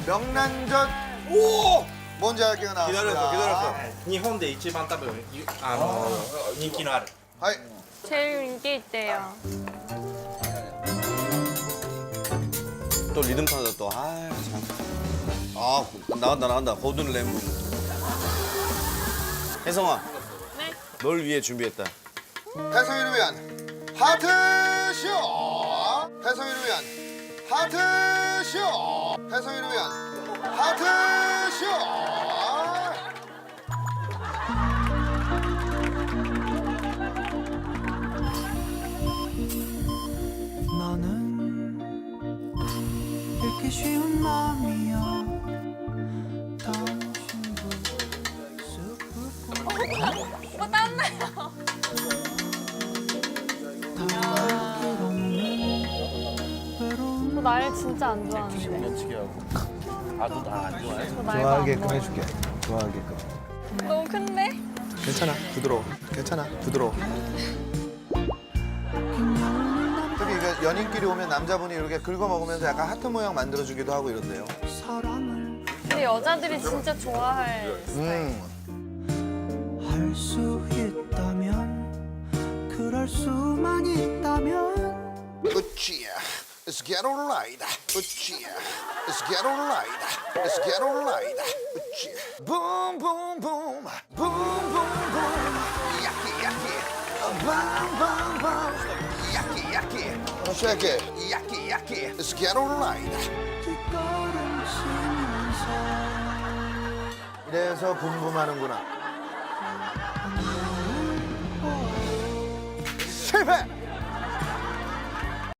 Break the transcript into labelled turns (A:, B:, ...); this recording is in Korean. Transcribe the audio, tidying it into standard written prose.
A: 명란젓. 오! 뭔지 알게요 나왔습니다.
B: 기다렸어. 日本で一番多分人気のある。
A: 하이.
C: 제일 인기 있대요.
D: 또 리듬 타자 또. 아 참. 아 나간다. 고든 램브. 혜성아.
C: 네.
D: 널 위해 준비했다.
A: 혜성이를 위한 하트쇼. 혜성이를 위한 하트쇼. 혜성이를 위한 하트쇼.
E: 너는 이렇게 쉬운 마음이야. 당신도
C: 오빠 땀나요. 저 날 진짜 안 좋아하는데.
D: 어떻게 하고. 아도 나 안 좋아해.
C: 저 날
A: 좋아하게끔 해줄게. 좋아하게끔.
C: 너무 큰데?
A: 괜찮아. 부드러워. 괜찮아. 부드러워. 특히 이게 연인끼리 오면 남자분이 이렇게 긁어 먹으면서 약간 하트 모양 만들어주기도 하고 이런데요.
E: 사랑을
C: 근데 여자들이 진짜 좋아할 스타일.
E: 할 수 있다면 그럴 수만 있다면
A: 으쌰. Let's get alright. 으쌰. Let's get alright. Let's get alright. 으쌰. Boom boom boom. Boom boom boom. 야끼 야끼. Boom boom boom. 야끼 야끼. shake it. 야끼 야끼. Let's get alright.
E: 뒷걸음치면서
A: 이래서 붐붐하는구나. 실패.